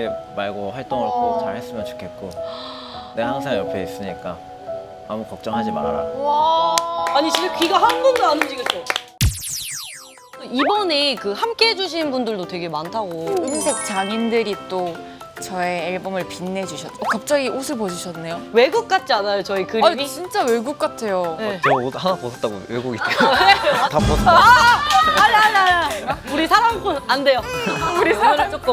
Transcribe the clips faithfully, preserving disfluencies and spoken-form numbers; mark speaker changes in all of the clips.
Speaker 1: 말고 활동을 꼭 잘 했으면 좋겠고 내가 항상 옆에 있으니까 아무 걱정하지 말아라.
Speaker 2: 와.
Speaker 3: 아니 진짜 귀가 한 번도 안 움직였어. 이번에 그 함께 해주신 분들도 되게 많다고.
Speaker 2: 음색 장인들이 또 저의 앨범을 빛내주셨죠. 어, 갑자기 옷을 벗으셨네요.
Speaker 3: 외국 같지 않아요 저희 그림이?
Speaker 2: 아, 진짜 외국 같아요.
Speaker 3: 네.
Speaker 1: 저 옷 하나 벗었다고 외국이 다 벗었다.
Speaker 3: 아니 아니 아니. 우리 사랑꾼 안 돼요. 우리 사랑 조금.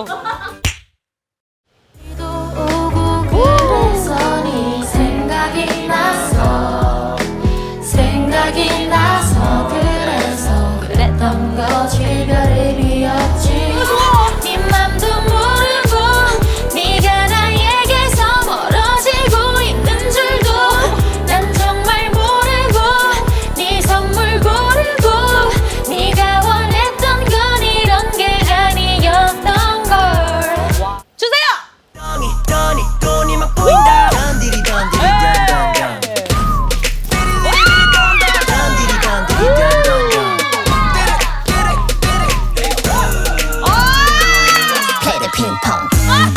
Speaker 4: 그래서 네 생각이 나서 생각이 나서 그래서 그랬던 거지 별을 비웠지 네 맘도 모르고 네가 나에게서 멀어지고 있는 줄도 난 정말 모르고 네 선물 고르고 네가 원했던 건 이런 게 아니었던 걸
Speaker 3: 주세요.
Speaker 5: 돈이 돈이 돈이 막 보인다. 던디리 던디리 던던던. 던디리 던디리 던던던.
Speaker 4: Play the ping pong.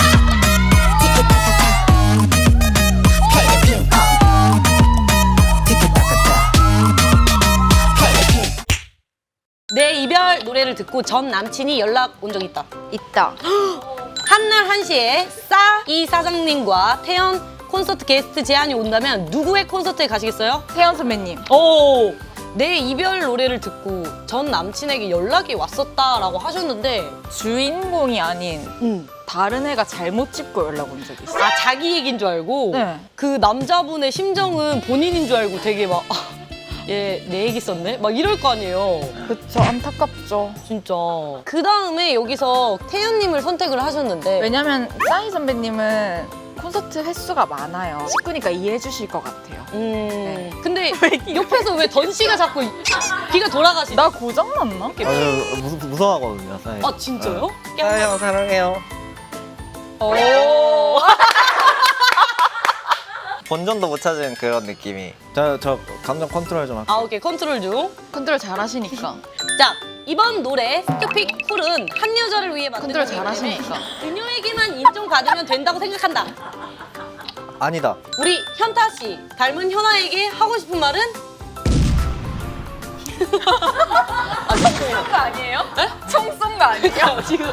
Speaker 4: 티키타카타. Play the ping pong.
Speaker 5: 티키타카타.
Speaker 4: Play the ping.
Speaker 3: 내 이별 노래를 듣고 전 남친이 연락 온 적 있다.
Speaker 2: 있다.
Speaker 3: 한날 한시에 싸 이 사장님과 태연 콘서트 게스트 제안이 온다면 누구의 콘서트에 가시겠어요?
Speaker 2: 태연 선배님.
Speaker 3: 오! 내 이별 노래를 듣고 전 남친에게 연락이 왔었다라고 하셨는데
Speaker 2: 주인공이 아닌
Speaker 3: 음.
Speaker 2: 다른 애가 잘못 짚고 연락 온 적이 있어요.
Speaker 3: 아 자기 얘기인 줄 알고
Speaker 2: 네.
Speaker 3: 그 남자분의 심정은 본인인 줄 알고 되게 막 얘 내 얘기 썼네? 막 이럴 거 아니에요.
Speaker 2: 그쵸, 안타깝죠.
Speaker 3: 진짜. 그 다음에 여기서 태연님을 선택을 하셨는데
Speaker 2: 왜냐면 싸이 선배님은 콘서트 횟수가 많아요. 식구니까 이해해 주실 것 같아요.
Speaker 3: 음.
Speaker 2: 네.
Speaker 3: 근데 옆에서 왜 던 씨가 자꾸 귀가 돌아가시지?
Speaker 2: 나 고장났나?
Speaker 1: 아주 무, 무서워하거든요. 사실.
Speaker 3: 아 진짜요?
Speaker 1: 사요 사랑해요.
Speaker 3: 오.
Speaker 1: 본전도 못 찾은 그런 느낌이. 저, 저 감정 컨트롤 좀 할게요.
Speaker 3: 아 오케이 컨트롤 중.
Speaker 2: 컨트롤 잘하시니까.
Speaker 3: 자 이번 노래 스큐픽 쿨은 한 여자를 위해 만든
Speaker 2: 컨트롤
Speaker 3: 곡이기 때문에
Speaker 2: 잘하시니까.
Speaker 3: 그녀에게만 인정받으면 된다고 생각한다.
Speaker 1: 아니다.
Speaker 3: 우리 현타 씨 닮은 현아에게 하고 싶은 말은? 아 진짜요?
Speaker 2: 거 아니에요? 총 쏜 거 아니에요?
Speaker 3: 지금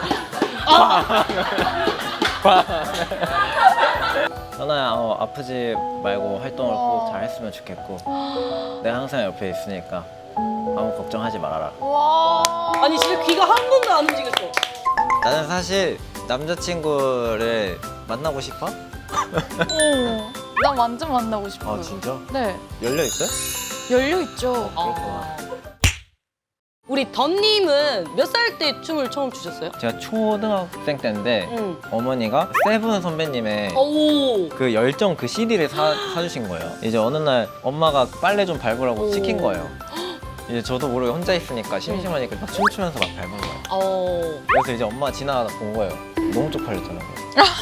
Speaker 1: 현아야 어, 아프지 말고 활동을 꼭 잘 했으면 좋겠고 내가 항상 옆에 있으니까 아무 걱정하지 말아라.
Speaker 2: 와.
Speaker 3: 아니 진짜 귀가 한 번도 안 움직였어.
Speaker 1: 나는 사실 남자친구를 만나고 싶어?
Speaker 2: 어, 나 완전 만나고 싶어요.
Speaker 1: 아 진짜?
Speaker 2: 네.
Speaker 1: 열려 있어요?
Speaker 2: 열려 있죠.
Speaker 1: 그렇구나.
Speaker 3: 우리 던님은 몇 살 때 춤을 처음 추셨어요?
Speaker 1: 제가 초등학생 때인데
Speaker 3: 응.
Speaker 1: 어머니가 세븐 선배님의
Speaker 3: 오.
Speaker 1: 그 열정 그 씨디를 사, 사주신 거예요. 이제 어느 날 엄마가 빨래 좀 밟으라고
Speaker 3: 오.
Speaker 1: 시킨 거예요. 이제 저도 모르게 혼자 있으니까 심심하니까 막 춤추면서 막 밟은 거예요.
Speaker 3: 어.
Speaker 1: 그래서 이제 엄마 지나가다 본 거예요. 너무 쪽팔렸더라고요.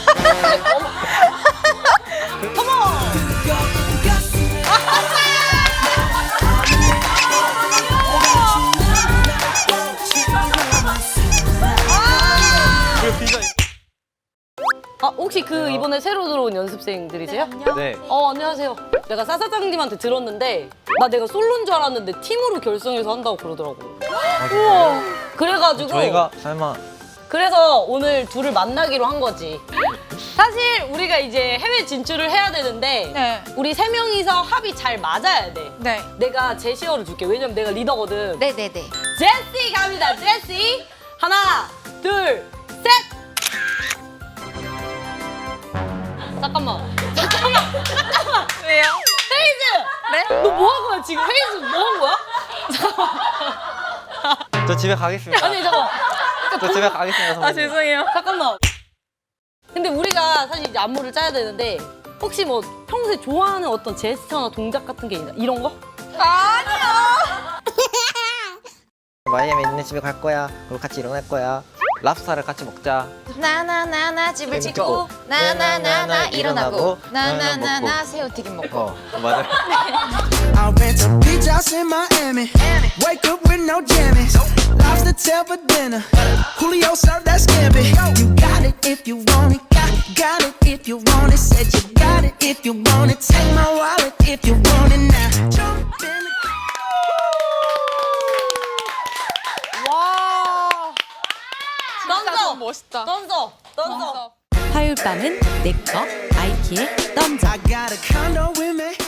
Speaker 3: 아 혹시 그 이번에 새로 들어온 연습생들이세요?
Speaker 1: 네.
Speaker 3: 어 안녕하세요. 내가 싸 사장님한테 들었는데 나 내가 솔로인 줄 알았는데 팀으로 결성해서 한다고 그러더라고. 우와. 그래가지고
Speaker 1: 저희가 설마
Speaker 3: 그래서 오늘 둘을 만나기로 한 거지. 사실 우리가 이제 해외 진출을 해야 되는데
Speaker 2: 네.
Speaker 3: 우리 세 명이서 합이 잘 맞아야 돼.
Speaker 2: 네.
Speaker 3: 내가 제시어를 줄게. 왜냐면 내가 리더거든.
Speaker 2: 네네네.
Speaker 3: 제시 갑니다. 제시. 하나, 둘, 셋. 잠깐만. 잠깐만. 잠깐만.
Speaker 2: 왜요?
Speaker 3: 헤이즈.
Speaker 2: 네?
Speaker 3: 너 뭐 한 거야 지금? 헤이즈 뭐 한 거야?
Speaker 1: 저 집에 가겠습니다.
Speaker 3: 아니 잠깐.
Speaker 1: 저 집에 가겠습니다. 선배님.
Speaker 2: 아 죄송해요.
Speaker 3: 잠깐만. 근데 우리가 사실 이제 안무를 짜야 되는데 혹시 뭐 평소에 좋아하는 어떤 제스처나 동작 같은 게 있나? 이런 거?
Speaker 2: 아니요.
Speaker 1: 마이애미 있는 집에 갈 거야. 그리고 같이 일어날 거야. 랍스타를 같이 먹자.
Speaker 2: 나나나나 집을
Speaker 1: 찍고,
Speaker 2: 찍고 나나나나 일어나고
Speaker 1: 나나나나
Speaker 2: 나나나나
Speaker 1: 먹고.
Speaker 2: 새우튀김 먹고.
Speaker 1: 어, 맞아요.
Speaker 5: I rent a beach house in Miami. Wake up with no jammies. Lobster tail for dinner. Julio served that scampi. You got it if you want it. if you want it. Said you got it if you want it. Take my wallet if you want it now. Jump in the
Speaker 2: 와. 진짜
Speaker 3: 던져!
Speaker 2: 너무 멋있다.
Speaker 3: 던져! 던져!
Speaker 6: 화요일 밤은 내꺼 아이키의 덤져.
Speaker 5: I got a condo with me.